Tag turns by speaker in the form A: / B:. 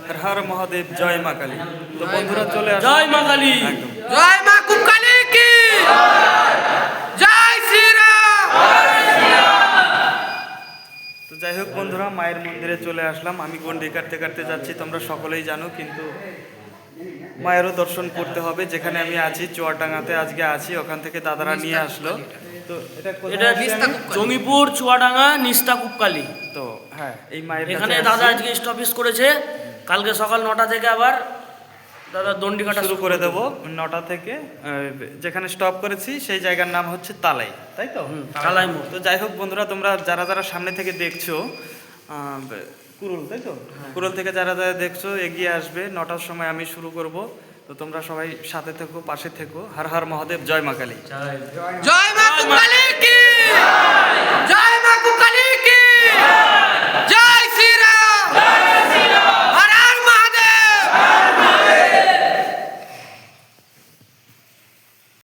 A: হর হর মহাদেব, জয় মা কালী। তো বন্ধুরা চলে আসো।
B: জয় মা কালী,
A: একদম।
C: জয় মা কুকালী কি জয় শ্রীরাম।
A: তো যাই হোক বন্ধুরা, মায়ের মন্দিরে চলে আসলাম। আমি গন্ডি কাটতে কাটতে যাচ্ছি, তোমরা সকলেই জানো, কিন্তু মায়েরও দর্শন করতে হবে। যেখানে আমি আছি চুয়াডাঙ্গাতে আজকে আছি, ওখান থেকে দাদারা নিয়ে আসলো। তো এটা
B: এটা জঙ্গিপুর চুয়াডাঙ্গা নিস্তা কুপকালী।
A: তো হ্যাঁ, এই মায়ের
B: এখানে
A: কাছে
B: দাদা
A: আসছি।
B: আজকে স্টপিস করেছে। কালকে সকাল 9টা থেকে আবার দাদা দণ্ডি কাটা
A: শুরু করে দেবো 9টা থেকে। যেখানে স্টপ করেছি সেই জায়গার নাম হচ্ছে তালাই, তাই তো?
B: তালাই মোড়।
A: তো যাই হোক বন্ধুরা, তোমরা যারা যারা সামনে থেকে দেখছো, কুরুল, তাই তো? কুরুল থেকে যারা যারা দেখছো এগিয়ে আসবে। 9টার সময় আমি শুরু করব। তো তোমরা সবাই সাথে থেকো, পাশে থেকো। হর হর মহাদেব, জয় মা কালী।
C: জয় মা কুকালী কি